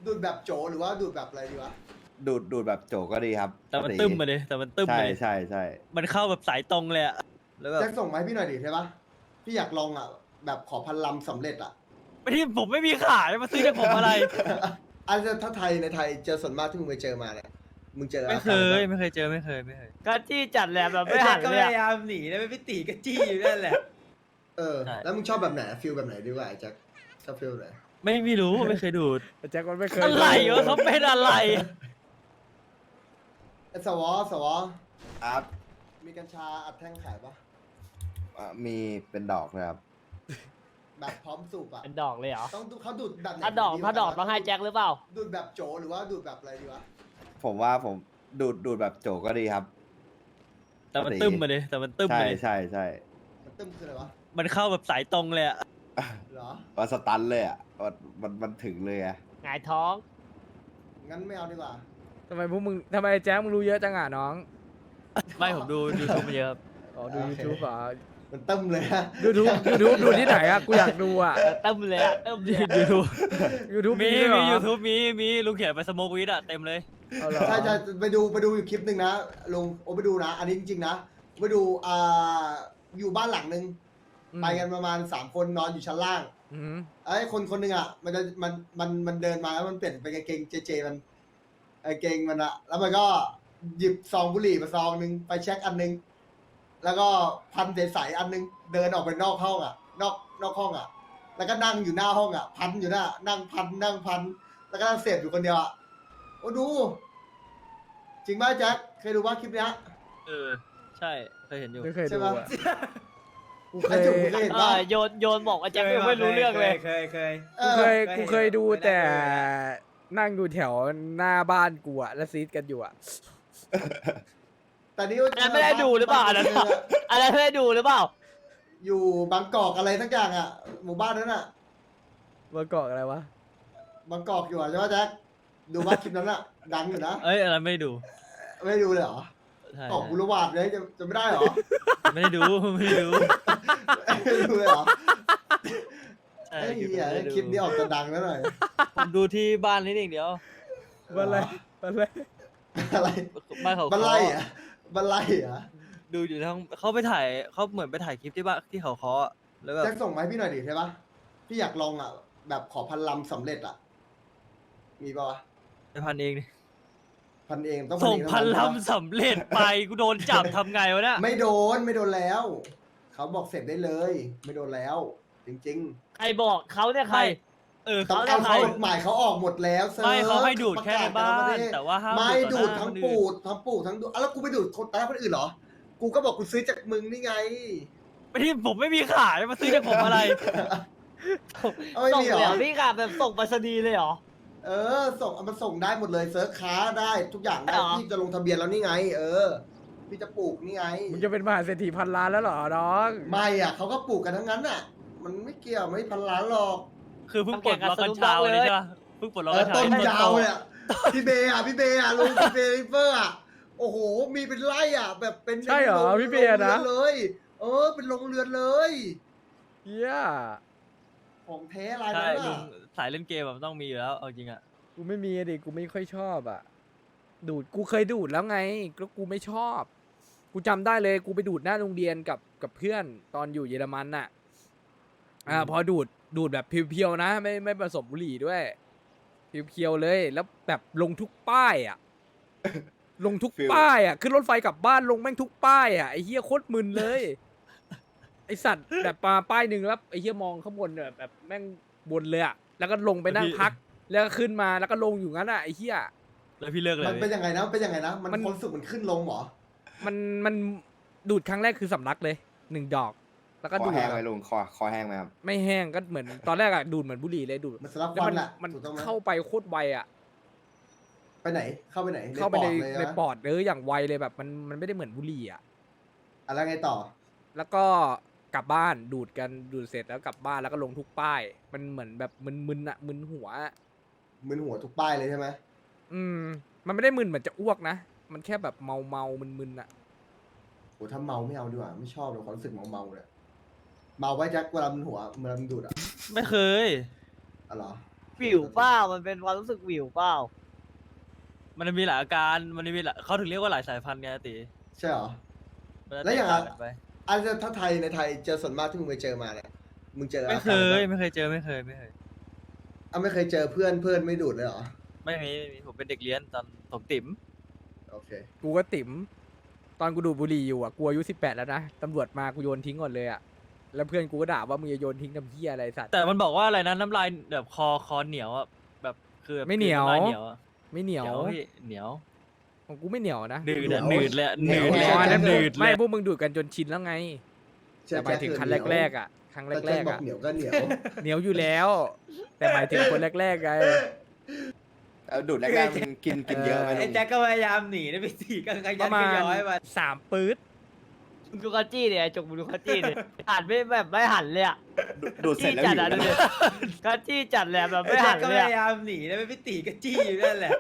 ดูดแบบโจหรือว่าดูดแบบอะไรดีวะดูดแบบโจก็ดีครับแต่มันตึ้มมาเลยแต่มันตึ้มใช่มาเลยใช่ใช่มันเข้าแบบสายตรงเลยอะแล้วแบบแจ็คส่งมาให้พี่หน่อยดิใช่ปะพี่อยากลองอ่ะแบบขอพันลำสำเร็จอ่ะไม่ที่ผมไม่มีขายมาซื้อจากผมอะไรอันถ้าไทยในไทยเจอส่วนมากที่มึงไปเจอมาเนี่ยมึงเจอไม่เคยไม่เคยเจอไม่เคยก็จี้จัดแหละแบบไม่ไอ้แจ็หัคน ก็เลพยยายาอะมหนีแล้วไม่ตีก็จี้อยู่นั่นแหละเออใช่แล้วมึงชอบแบบไหนฟิลแบบไหนดีกว่าไอ้แจ็คชอบฟิลไหนไม่รู้ไม่เคยดูดแจ็คมันไม่เคยอะไรวะเขาเป็นอะไรไอ้สวอครับมีกัญชาอัดแท่งขายปะมีเป็นดอกนะครับแบบพร้อมสูบอ่ะเป็นดอกเลยเหรอต้องดูเขาดูดแบบไหนถ้าดอกต้องให้แจ็คหรือเปล่าดูดแบบโจหรือว่าดูดแบบอะไรดีวะผมว่าผมดูดแบบโจก็ดีครับแต่มันตึ้มมาเลยแต่มันตึ้มใช่มาเลยใช่ใช่มันตึ้มคืออะไรวะมันเข้าแบบสายตรงเลยอะเหรอว่าสตันเลยอ่ะมันถึงเลยอ่ะหงายท้องงั้นไม่เอาดีกว่าทำไมพวกมึงทำไมแจ็คมึงรู้เยอะจังอ่ะน้องไม่ผมดูยูทูบมาเยอะครับอ๋อดูโอเค YouTube เหรอมันตึ้มเลยฮะ YouTube ดูที่ไหนอ่ะกูอยากดูอ่ะเติมเลยอะเติมเลยอะยูทูบ YouTube มีด้วยเหรอยูทูบมีลุงเขียนไปสโมกวีดอะเต็มเลยเอาเหรอใช่ไปดูอยู่คลิปหนึ่งนะลุงโอ้ไปดูนะ อันนี้จริงๆนะไปดูอยู่บ้านหลังหนึ่งไปกันประมาณ3 คนนอนอยู่ชั้นล่างอืมไอ้คนหนึ่งอ่ะมันเดินมาแล้วมันเปลี่ยนเป็นกางเกงเจมันกางเกงมันอะแล้วมันก็หยิบซองบุหรี่มาซองหนึ่งไปเช็คอันหนึงแล้วก็พันใสๆอันหนึงเดินออกไปนอกห้องอ่ะ นอกห้องอ่ะ แล้วก็นั่งอยู่หน้าห้องอ่ะ พันอยู่หน้านั่งพันแล้วก็นั่งเสพอยู่คนเดียวอ่ะโอ้ดู จริงป่ะแจ็คเคยดูว่าคลิปเนี้ยเออใช่เคยเห็นอยู่ไม่เคยใช่ดูปะอ่ะกูเคไอ้ยจุ๋มเคยเห็นป่ะโยนบอกว่าแจ็คไม่รู้เรื่องเลยเคยกูเคยดูไม่ได้แต่เลยนั่งอยู่แถวหน้าบ้านกูอ่ะแล้วซีดกันอยู่อ่ะแต่นี่อันนั้นไม่ได้ดูหรือเปล่าอันนั้นอันนั้นไม่ได้ดูหรือเปล่าอยู่บางกอกอะไรทั้งอย่างอ่ะ หมู่บ้านนั้นอ่ะเมื่อก่อนอะไรวะบางกอกอยู่อ่ะใช่ไหมแจ็คดูว่าคลิปนั้นอ่ะ ดังอยู่นะเอ้ยอะไรไม่ดูไม่ได้ดูเลยเหรอใช่กอกบุรวาดเลยจะไม่ได้เหรอไม่ได้ดูไม่ได้ดูไม่ได้ดูเลยเหรอใช่ไอ้คลิปเหี้ยไม่ได้ดูคลิปนี้ออกจะดังแล้วหน่อยผมดูที่บ้านนิดเดียววันอะไรวันอะไรอะไรบ้านเขาบันไล่อะบันไล่อะดูอยู่ทั้งเขาไปถ่ายเขาเหมือนไปถ่ายคลิปที่บ้านที่เขาเคาะอะแล้วแบบแจ็คส่งมาให้พี่หน่อยดิใช่ปะพี่อยากลองอ่ะ แบบขอพันลำสำเร็จอ่ะ มีปะวะไปพันเองดิพันเองต้องส่งเอพันเท่าลำสำเร็จไปกูโดนจับทำไงวะเนี่ยไม่โดนแล้ว เขาบอกเสร็จได้เลย ไม่โดนแล้ว จริงใครบอกเขาเนี่ยใครเออๆต้องเขาเอาใครกฎหมายเขาออกหมดแล้วซิร์ชไม่เขาให้ดูดประแค่กในศบ้าต่ละปนระเทศแต่ว่าห้ามไม่ต่ดูอดหน้าทั้งคนปูอื่นดทั้งปูดทั้งดูดแล้วกูไปดูดคนตายคนอื่นเหรอ กูก็บอกกูซื้อจากมึงนี่ไงไม่ที่ผมไม่มีขายมาซื้อจากผมอะไรเอาไม่ส่งมีเหรเลยเหรออพี่กาแบบส่งไปรษณีย์เลยเหรอเออส่งเอามันส่งได้หมดเลยเซิร์ชค้าได้ทุกอย่างได้เหรอพี่จะลงทะเบียนแล้วนี่ไง เออ พี่จะปลูกนี่ไงมึงจะเป็นมหาเศรษฐีพันล้านแล้วเหรอน้องไม่อ่ะเขาก็ปลูกกันทั้งนั้นอ่ะ มันไม่เกี่ยวไม่พันล้านหรอกคือเพิ่งปลดล็อกกัญชาวันนี้ใช่ปะเพิ่งปลดล็อกเอกัอญชาต้นให้ยาวเนี่ยพี่เบย์อ่ะลุงพี่เบย์ริเฟอร์อ่ะโอ้โหมีเป็นไร่อ่ะ แบบเป็นใช่เหรอโงพี่เบียร์นะโรงรือนเลย เออ เป็นโรงเรือนเลยเฮียของแท้ลายใช่นั้นลุอ่ะงสายเล่นเกมอะมันต้องมีอยู่แล้วเอาจริงอะกูไม่มีอะดิกูไม่ค่อยชอบอ่ะ ดูดกูเคยดูดแล้วไงก็กูไม่ชอบ กูจำได้เลยกูไปดูดหน้าโรงเรียนกับเพื่อนตอนอยู่เยอรมันน่ะ พอดูดแบบเพียวๆนะไม่ผสมบุหรี่ด้วยเพียวๆเลยแล้วแบบลงทุกป้ายอ่ะ ลงทุกป้ายอ่ะขึ้นรถไฟกลับบ้านลงแม่งทุกป้ายอ่ะไอ้เหี้ยโคตรมึนเลย ไอสัตว์แบบมาป้ายหนึ่งแล้วไอ้เหี้ยมองข้างบนแบบแม่งบนเลยอ่ะแล้วก็ลงไปนั่งพัก แล้วก็ขึ้นมาแล้วก็ลงอยู่งั้นอ่ะไอ้เหี้ยแล้วพี่เลิกเลยมันเป็นยังไงนะเป็นยังไงนะ มันมันความรู้สึกมันขึ้นลงเหรอมันดูดครั้งแรกคือสำลักเลย1 ดอก แล้วก็คอดูดแห้งไหมลุงคอแห้งไหมครับไม่แห้งก็เหมือนตอนแรกอะดูดเหมือนบุหรี่เลยดูดมันสลับแล้วควัมัน นแหละมันถูกต้องไหมเข้าไปโคตรไวอะไปไหน เข้าไปไหนเข้าไปในลยในนะปอดอย่างไวเลยแบบมันไม่ได้เหมือนบุหรี่อะอะไรไงต่อแล้วก็กลับบ้านดูดกันดูดเสร็จแล้วกลับบ้านแล้วก็ลงทุกป้าย มันเหมือนแบบมึนๆอะมึนหัวอะมึนหัวทุกป้ายเลยใช่ไหมมันไม่ได้มึนเหมือนจะอ้วกนะมันแค่แบบเมามึนๆอะโหถ้าเมาไม่เอาดีกว่า ไม่ชอบเลยความรู้สึกเมาเลยเมาไว้แจ็คเวลามันหัวเวลามันดูดอ่ะไม่เคยอ๋อเหรอวิวเปล่ามันเป็นความรู้สึกวิวเปล่ามันมีหลายอาการมันมีหลายเขาถึงเรียกว่าหลายสายพันธุ์ไงอาติใช่เหรอมันจะแล้วอย่างแตกต่างกันไปอันถ้าไทยในไทยเจอส่วนมากที่มึงไปเจอมาเนี่ยมึงเจอไม่เคอาการยอะรไม่เคยเจอไม่เคยไม่เคยเจอเพื่อนไม่ดูดเลยเหรอไม่มีผมเป็นเด็กเรียนตอนผมติ๋มโอเคกูก็ติ๋มตอนกูดูดบุหรี่อยู่อ่ะกูอายุ18แล้วนะตำรวจมากูโยนทิ้งก่อนเลยอ่ะแล้วเพื่อนกูก็ด่าว่ามึงจะโยนทิ้งทำเหี้ยอะไรสัตว์แต่มันบอกว่าอะไรนะน้ำลายแบบคอเหนียวอ่ะแบบคือแบบไม่เหนียวำลาเหนียวอะไม่เหนียวพี่เหนียวของกูไม่เหนียวนะหนืดอะเหนียวหนืดเลยอะเหหนีนืยวดเลยอ๋ออันนั้นหนืดเลไม่ยพวกมึงดูดกันจนชินแล้วไง แต่หมายถึงครั้งแรกๆอ่ะครั้งแต่แรแจ็คกๆบอกอ่ะเหนียวก็เหนียวเหนียวอยู่แล้ว แต่หมายถึงคนแรกๆไงดูดแรกๆมันกินเยอะไหมไอ้แจ็คก็พยายามหนีนะพี่ตีก็ขปยัระนมาขณย้อยมา 3 ปื๊ดมึงดูคาจี้เนี่ยไอ้จกมึงดูคาจี้เนี่ยหันไม่แบบไม่หันเลยอะดูดเสร็จแล้วจัหิดวอะดูนะดิคาจี้จัดแหละแบบไอ้ไม่แจ็หัคน ก็เลยพอะยายามหนีนะพี่ตีก็จี้อยู่นั่นแหละ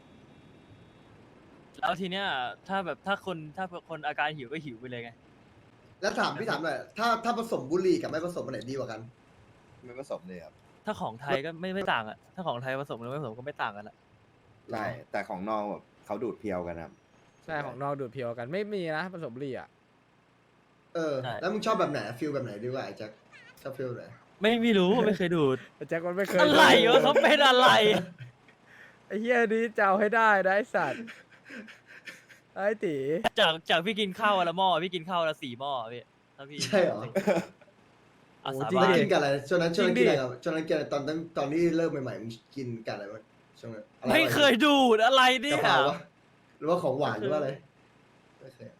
แล้วทีเนี้ยถ้าคนอาการหิวก็หิวไปเลยไงแล้วพี่ถามหน่อยถ้าผสมบุหรี่กับไม่ผสมอันไหนดีกว่ากันไม่ผสมเลยครับถ้าของไทยก็ไม่ต่างอ่ะถ้าของไทยผสมหรือไม่ผสมก็ไม่ต่างกันละใช่แต่ของนอกแบบเขาดูดเพียวกันครับใช่ของนอกดูดเพียวกันไม่มีนะผสมบุหรี่อ่ะแล้วมึงชอบแบบไหนฟิลแบบไหนดีกว่าไอ้แจ็คชอบฟิลไหนไม่รู้ไม่เคยดูดแต่แจ็คมันไม่เคยอะไรวะเขาเป็นอะไรไอ้เหี้ยนี้จะเอาให้ได้นะไอ้สัตว์ไอ้ตีจากพี่กินข้าววันละหม้อพี่กินข้าววันละ4 หม้อพี่ถ้าพี่ใช่เหรออาสาจริงบานกินกับอะไรช่วงนั้นกินอะไรกับช่วงนั้นกินอะไรตอนที่เริ่มใหม่ๆมึงกินกับอะไรบ้างช่วงนั้นอะไรไม่เคยดูดอะไรเนี่กะยเพราวะหรือว่าของหวานหรือว่าอะไรไม่เคย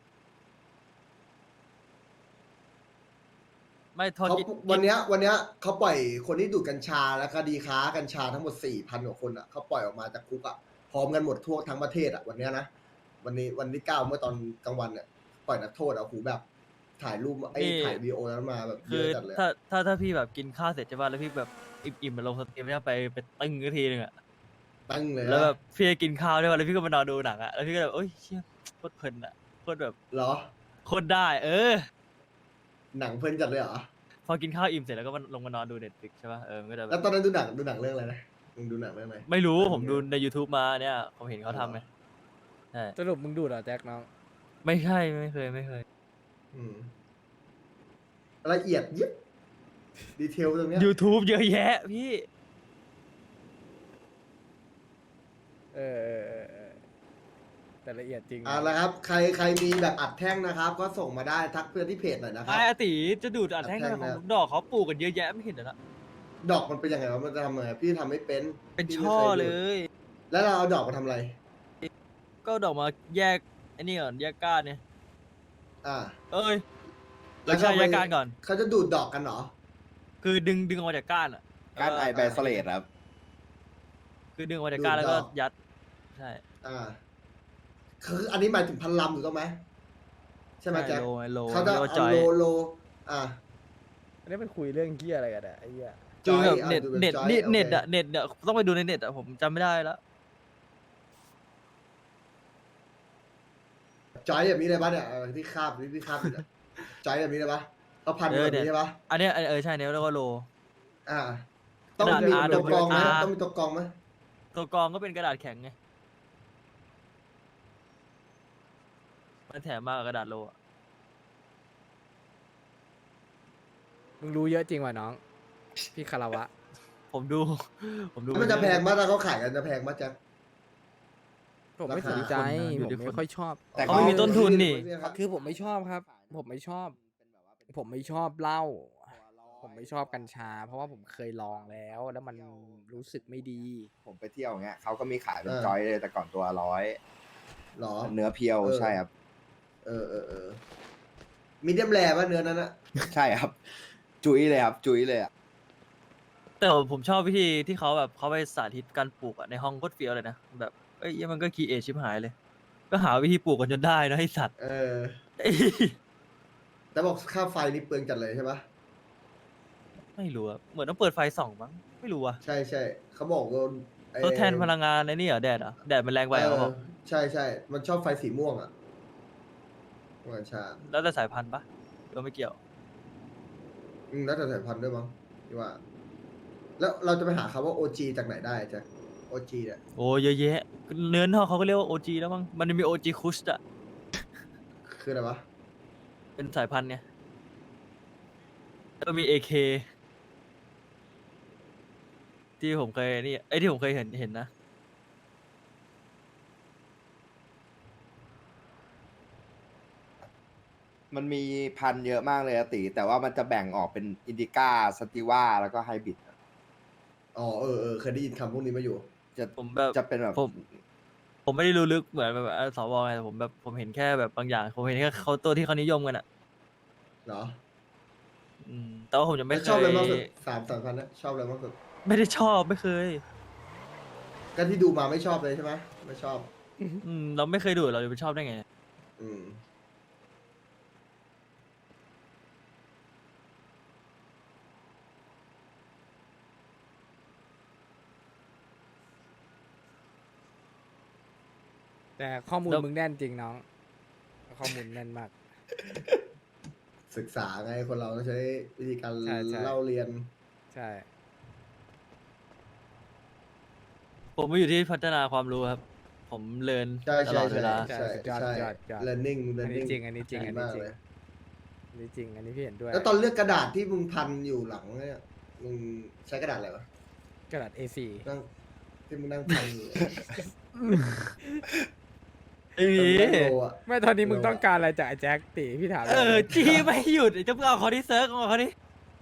ไม่ทอดเขากินวันเนี้ยเขาปล่อยคนที่ดูดกัญชาและคดีค้ากัญชาทั้งหมด 4,000 กว่าคนอ่ะเขาปล่อยออกมาจากคุกอ่ะพร้อมกันหมดทั่วทั้งประเทศอ่ะวันเนี้ยนะวันที่9เมื่อตอนกลางวันเนี่ยปล่อยนักโทษอ่ะหูแบบถ่ายรูปถ่ายวีดีโอนั้นมาแบบเยคืออะจัดเลยถ้าพี่แบบกินข้าวเสร็จใช่ป่ะแล้วพี่แบบอิ่มๆมาลงสตรีมเนี่ยไปตึ้งทีนึงอะตั้งเลยแล้วแบนะบพี่กินข้าวด้วยแล้วพี่ก็มานอนดูหนังอะแล้วพี่ก็แบบโอ้ยเชี่ยโคตรเพลินอะโคตรแบบเหรอโคตรได้หนังเพลินจัดเลยเหรอพอกินข้าวอิ่มเสร็จแล้วก็ลงมานอนดูเน็ตฟลิกใช่ป่ะมันก็จะแบแล้วบตอนนั้นดูหนังเรื่องอะไรนะมึงดูหนังเรื่องอะไรไม่รู้ผมดูใน YouTube มาเนี่ยผมเห็นเขาทำไงใช่สรุปมึงดูดเหรอแจ็คน้องไม่ใช่ไม่เคยอืมละเอียดยิบดีเทลตรงเนี้ย YouTube เยอะแยะพี่เออแต่ละเอียดจริงนะแล้วครับใครมีแบบอัดแท่งนะครับ ก็ส่งมาได้ทักเพื่อนที่เพจหน่อยนะครับไอ้อาติจะดูดอัดแท่งอัดแท่งของนะลูกดอกเขาปลูกกันเยอะแยะไม่เห็นเหรอนะดอกมันเป็นยังไงวะมันจะทำยังไงพี่ทำไม่เป็นเป็นพี่ไม่ช่อคดูเลยแล้วเราเอาดอกมาทำอะไรก็ดอกมาแยกไอ้นี่ก่อนแยกก้านเนี่ยอ่าเอ้ยแล้วไม่ใช่ก็ไปแยกก้านก่อนเขาจะดูดดอกกันเหรอคือดึงออกมาจากก้านอ่ะการไอแบสเลตครับคือดึงออกมาจากก้านแล้วก็ดูดดอกยัดใช่อ่าคืออันนี้หมายถึงพันลำถูกต้องไหมใช่ไหมแจ๊คโลเขาจะรียกว่เอาจอยโลอ่าอันนี้มันคุยเรื่องเกี้ยอะไรกันอะไอ้เหี้ยคือแบบจอยเน็ตเอาดูเน็ตจอยนี่โอเคเน็ตอะเน็ตเนี่ยต้องไปดูในเน็ตอะผมจำไม่ได้แล้วจอยแบบนี้เลยปะเนี่ยที่คาบอยู่เนี่ยจอยแบบนี้เลยปะเขาพันแบบนี้ใช่ปะอันเนี้ยใช่เนี่ยเรียกว่าโลอ่า ต้องกระดาษมี R ตัวกรองไหม R ต้องมีตัวกรองไหมตัวกรองก็เป็นกระดาษแข็งไงมันแถมมากับกระดาษโลอะมึงรู้เยอะจริงว่ะน้อง พี่คาราวะผมดูมันจะแพงมากถ้าเขาขายกันจะแพงมากแจ๊คผมไม่สนใจอยู่ผมที่คนไม่ค่อยชอบแต่เขาไม่มีต้นทุนนี่คือผมไม่ชอบครับ ผมไม่ชอบ ผมไม่ชอบเหล้า ผมไม่ชอบกัญชา เพราะว่าผมเคยลองแล้ว แล้วมันรู้สึกไม่ดีผมไปเที่ยวอย่างเงี้ยเขาก็มีขายเป็นจอยเลยแต่ก่อนตัว100 หรอเนื้อเพียวใช่ครับมีเดียมแรป่ะเนื้อนั้นอะใช่ครับ จุ้ยเลยครับ จุ้ยเลยอ่ะแต่ผมชอบวิธีที่เขาแบบเขาไปสาธิตการปลูกอะในห้องโคตรเฟี้ยวเลยนะแบบเอ้ยมันก็คีเอทชิบหายเลย ก็หาวิธีปลูกกันจนได้นะไอสัตว์แต่บอกค่าไฟนี่เปลืองจัดเลยใช่ปะไม่รู้อะเหมือนต้องเปิดไฟส่องมั้งไม่รู้อะใช่เขาบอกว่าไอ้ทดแทนพลังงานในนี่เหรอแดดเหรอแดดมันแรงไปเหรอเขาบอกใช่มันชอบไฟสีม่วงอะกัญชาแล้วแต่สายพันธุ์ปะก็ไม่เกี่ยวแล้วแต่สายพันธุ์ด้วยมั้งที่ว่าแล้วเราจะไปหาคำว่า OG จากไหนได้จ๊ะ OG เนี่ยโอ้เยอะแยะเนื้อนอกเขาก็เรียกว่าโอจีแล้วมั้งมันมีโอจีคุชอะคืออะไรวะเป็นสายพันธุ์เนี่ยแล้วมีเอเคที่ผมเคยนี่ไอ้ยที่ผมเคยเห็นนะมันมีพันธุ์เยอะมากเลยอะติแต่ว่ามันจะแบ่งออกเป็นอินดิก้าสติว่าแล้วก็ไฮบริดอ๋อเคยได้ยินคำพวกนี้มาอยู่จะผมแบบจะเป็นแบบผมไม่ได้รู้ลึกเหมือนแบบสวไงแต่ผมเห็นแค่แบบบางอย่างผมเห็นแค่เขาตัวที่เขานิยมกันอะเหรอแต่ว่าผมจะไม่แล้วเคชอบยอะไรมากสุดสามพันนะชอบอะไรมากสุดไม่ได้ชอบไม่เคยก็ที่ดูมาไม่ชอบเลยใช่ไหมไม่ชอบเราไม่เคยดูเราจะไปชอบได้ไงอืมแต่ข้อมูลแล้วมึงแน่นจริงน้อง ข้อมูลแน่นมากศึกษาไงคนเราต้องใช้วิธีการใช่ใช่เล่าเรียนใช่ผมไม่อยู่ที่พัฒนาความรู้ครับ ผมเรียนใช่ตลอดเวลาใช่สุดยอดใช่ยอดยอด learning อันนี้ learning จริงอันนี้จริงอันนี้มากจริงเลยอันนี้จริง อันนี้พี่เห็นด้วยแล้วตอนเลือกกระดาษที่มึงพันอยู่หลังเนี่ยมึงใช้กระดาษอะไรวะกระดาษ A4 นั่งที่มึงนั่งพันอยู่ไม่มีตอนแรกโลอะไม่ตอนนี้มึงต้องการอะไรจากไอ้แจ็คตีพี่ถามจี้ไม่หยุดจะเพิ่งเอาเขาที่เซิร์ฟเอาเขาที่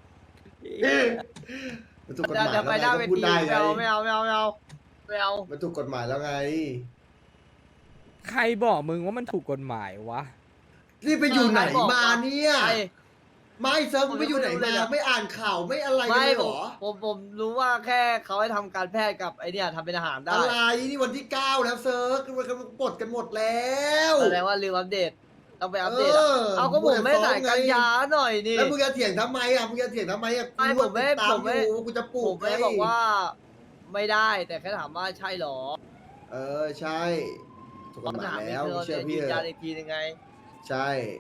มันถูกกฎหมายจะแล้วไปไงหน้าก็เวพูดทีได้ไงไม่เอามันถูกกฎหมายแล้วไงใครบอกมึงว่ามันถูกกฎหมายวะนี่ไปอยู่ไหนมาเนี่ยไอ้ไม่เซิร์ฟมึงไปอยู่ไหนผมไม่มารู้เลยนะไม่อ่านข่าวไม่อะไรกันไม่เลยเหผรมอผมรู้ว่าแค่เขาให้ทำการแพทย์กับไอเนี่ยทำเป็นอาหารได้อะไรนี่วันที่ 9 แล้วเซิร์ฟมันกำลังปลดกันหมดแล้วแสดงว่าลืมอัปเดตต้องไปอัปเดตอะเอาก็ผมไม่ใส่กันยาหน่อยนี่แล้วมึงจะเถียงทำไมอ่ะมึงจะเถียงทำไมอ่ะไม่กูผมไม่ติดตาผมไม่อยู่กูจะปลูผกมไม่ได้บอกว่าไม่ได้แต่แค่ถามว่าใช่หรอใช่ถูกกฎหมายถามแล้วเธอเชื่อยืพี่นเถยันอะอีกทียังไงใช่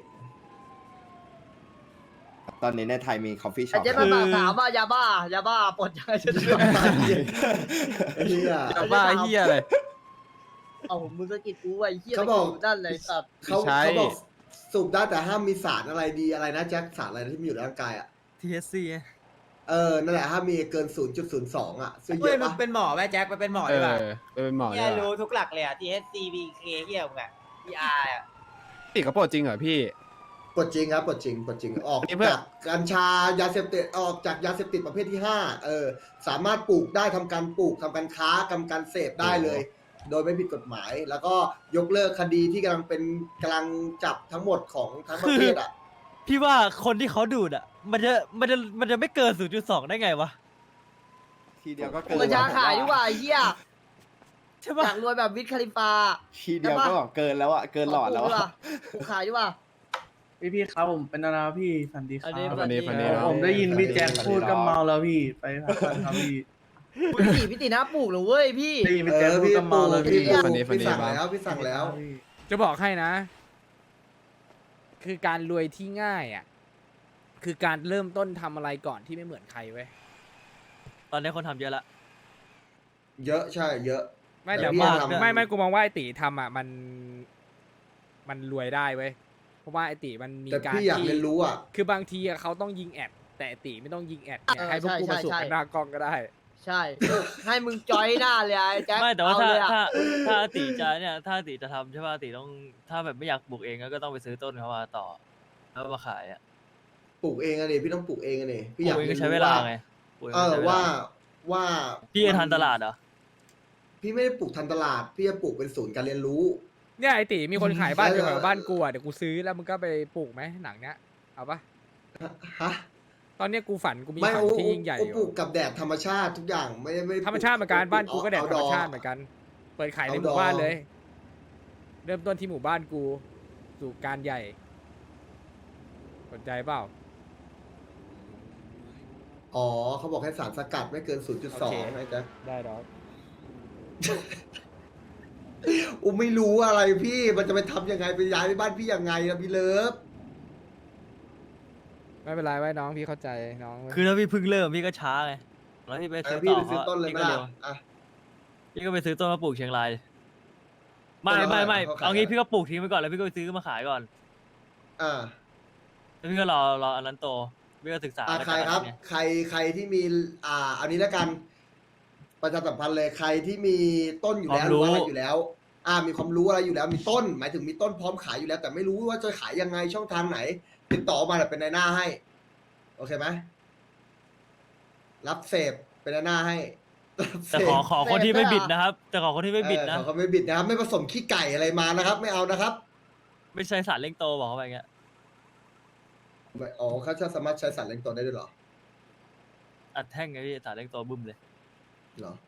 ตอนนี้ในไทยมีคอฟฟี่ช็แต่อปเจ๊มาถามว่ายาบ้าปลดยังไงฉันเชื่อไอ้เหี้ยจะบ้าเฮียอะไรเอาผมมือสะกิดกูไอ้เหี้ยเขาบอกตะดนั่นเลยสัตว์เขาใช่เขาบอกสูบได้แต่ห้ามมีสารอะไรดีอะไรนะแจ็คสารอะไรที่มีอยู่ในร่างกายอ่ะ THC นั่นแหละห้ามมีเกิน 0.02 อ่ะซึ่งเยเฮ้ยอะมึงปะเป็นหมอไหมแจ็คไปเป็นหมอดีกว่าเป็นหมอเนี่เนี่ย ยรู้ทุกหลักเลยอ่ะ THC BK เหี้ยมึงอ่ะ PR อ่ะติดกระโปรงจริงเหรอพี่ปลดจริงครับปลดจริงออกนี่เพื่อจากกัญชายาเสพติดออกจากยาเสพติดประเภทที่5สามารถปลูกได้ทำการปลูกทำการค้าทำการเสพได้เลย โดยไม่ผิดกฎหมาย แล้วก็ยกเลิกคดีที่กำลังจับทั้งหมดของทั้งประเทศอ่ะพี่ว่าคนที่เขาดูดอ่ะ มันจะไม่เกิน 0.2 ได้ไงวะทีเดียวก็เกินกัญชาขายดีกว่าไอ้เหี้ยใช่อปะยากรวยแบบวิทคาลิฟาทีเดียวก็เกินแล้วอะเกินหลอดแล้วกูอะล่ะกูขายดีกว่าพี่ครับผมเป็นนาราพี่สันดีครัอับนนี้ฟันดีฟันดีเออเนาะผมได้ยินพี่แจ็คพูดก็เมาแล้วพี่ไปพักผ่อนครับพี่พี่ตีหน้าปลูกเหรอเว้ยพี่ได้ยินพี่แจ็คพูดก็เมาแล้วพี่พี่ฟันดีฟันดีสั่งบ้างแล้วพี่สั่งแล้วจะบอกให้นะ คือการรวยที่ง่ายอ่ะ คือการเริ่มต้นทำอะไรก่อนที่ไม่เหมือนใครเว้ยตอนนี้คนทำเยอะละเยอะใช่เยอะไม่แต่แต่พี่ว่าทำไม่กูมองว่าไอตีทำอ่ะมันรวยได้เว้ย เพราะว่าไอตีมันมีแต่การพี่อยากที่เรียนรู้อ่ะคือบางทีอะเขาต้องยิงแอดแต่ไอ้ตีไม่ต้องยิงแอดเนี่ยเออให้พวกกูใช่มาสูบใช่กันหน้ากล้องก็ได้ใช่ ให้มึงจอยหน้าเลยไอ้แจ็คไม่แต่ว่าเอถ้าเลยอะถ้าอาติจะเนี่ยถ้าอาติจะทำใช่ป่ะอาติต้องถ้าแบบไม่อยากปลูกเองก็ต้องไปซื้อต้นเขามาต่อแล้วมาขายอ่ะปลูกเองอะดิพี่ต้องปลูกเองอะดิปพี่ลูอยากกเองเรีก็ยนใช้รู้เวลาไงปลูกเองก็ใช้เวลาว่าพี่จะทันตลาดเหรอพี่ไม่ได้ปลูกทันตลาด พี่จะปลูกเป็นศูนย์การเรียนรู้เนี่ยไอตีมีคนขายบ้านอยู่เออแถวบ้านกูอ่ะเดี๋ยวกูซื้อแล้วมึงก็ไปปลูกไหมหนังเนี้ยเอาปะฮะตอนเนี้ยกูฝันกูมีไม่ฝันโอ้ที่ยิ่งใหญ่โอ้อปลูยู่กกับแดดธรรมชาติทุกอย่างไม่ธรรมชาติเหมือนกันบ้านกูก็แดดธรรมชาติเหมือนกัน เปิดขายในหมู่บ้านเลย เริ่มต้นที่หมู่บ้านกูสู่การใหญ่สนใจเปล่าอ๋อเขาบอกให้สารสกัดไม่เกินโอเค 0.2นะจ๊ะได้ดอกอูไม่รู้อะไรพี่มันจะไปทำยังไงไปย้ายไปบ้านพี่ยังไงนะพี่เลิฟไม่เป็นไรไว้น้องพี่เข้าใจน้องคือถ้าพี่เพิ่งเริ่มพี่ก็ช้าไงแล้วพี่ไปอ่ะซื้อพี่ต่อไปซื้อต้นเลยพี่ไหมก็ล่ะเร็วอ่ะพี่ก็ไปซื้อต้นมาปลูกเชียงรายไม่ต้นละไม่ไม่เท่าไหร่เอางี้เขาขายพี่ก็ปลูกทิ้งไปก่อนแล้วพี่ก็ไปซื้อมาขายก่อนอ่าแล้วพี่ก็รออันนั้นโตพี่ก็ศึกษาใครครับไงใครที่มีอันนี้แล้วกันประชาสัมพันธ์เลยใครที่มีต้นอยู่แล้วหรือว่าอะไรอยู่แล้ว มีความรู้อะไรอยู่แล้ว มีต้น หมายถึงมีต้นพร้อมขายอยู่แล้ว แต่ไม่รู้ว่าจะขายยังไงช่องทางไหน ติดต่อมาแบบเป็นในหน้าให้ โอเคไหมรับเสพเป็นในหน้าให้รับเสแต่พขอคนที่ไม่บิดนะครับ แต่ขอคนที่ไม่บิดนะเขาไม่บิดนะครับ ไม่ผสมขี้ไก่อะไรมานะครับ ไม่เอานะครับไม่ใช่สารเร่งโตบอกเขาไปอย่างเงี้ยอ๋อเขาจะสามารถใช้สารเร่งตัวได้ด้วยเหรออัดแท่งไงพี่สารเร่งโตบึ้มเลยเหรอ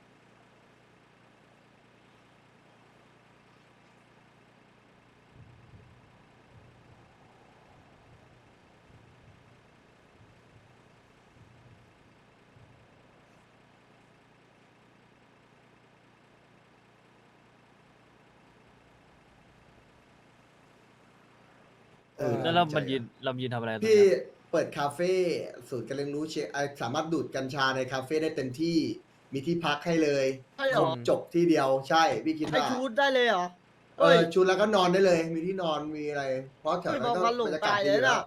แล้วเรามันยืนทำอะไรตรงพี่เนี้ยเปิดคาเฟ่ศูนย์การเรียนรู้สามารถดูดกัญชาในคาเฟ่ได้เต็มที่มีที่พักให้เลยใช่เหรอจบที่เดียวใช่พี่คิดให้ว่าชูดได้เลยเหรอชุดแล้วก็นอนได้เลย มีที่นอนมีอะไร เพราะแถวไม่นั้นบก็อกว่าหลงบรรยากาศตายดีเลยอยู่แล้วน่ะ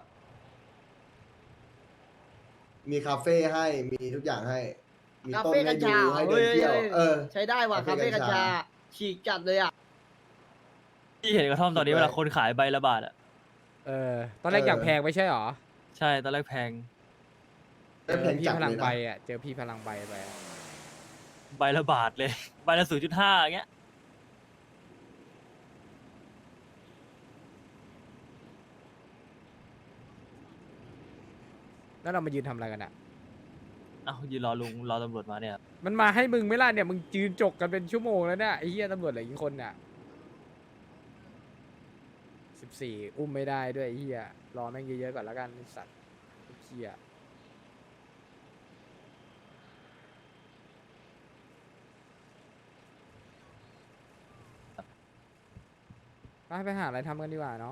มีคาเฟ่ให้มีทุกอย่างให้ มีคาต้นเฟ่ให้กัญดูชาให้เดินเที่ยวใช้ได้ว่ะคาคาเฟ่เฟ่กักัญญชาชาฉีกจัดเลยอ่ะพี่เห็นกระท่อมตอนนี้สุดเวเลยลาคนขายใบละบาทอ่ะตอนแรกอย่างแพงไม่ใช่หรอใช่ตอนแรกแพงได้แพงพี่จัดพเลลังยใบนะอ่ะเจอพี่พลังใบไปอะใบละบาทเลย ใบละ0.5อย่างเงี้ยแล้วเรามายืนทำอะไรกันอ่ะเอ้ายืนรอลุงรอตำรวจมาเนี่ยมันมาให้มึงไหม่ล่ะเนี่ยมึงยืนจกกันเป็นชั่วโมงแล้วเนี่ยไอ้เหี้ยตำรวจเหลืออีกคนเนี่ย14อุ้มไม่ได้ด้วยไอ้เหี้ยรอแม่งเยอะๆก่อนแล้วกันไอ้สัตว์ไอ้เหี้ยไปหาอะไรทำกันดีกว่าน้อง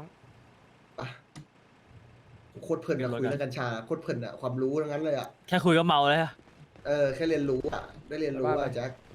โคตรเพลินกับคุยเรื่องกัญชาโคตรเพลินอะความรู้ทั้งนั้นเลยอะแค่คุยก็เมาแล้วอะแค่เรียนรู้อะได้เรียนรู้อะแจ็ค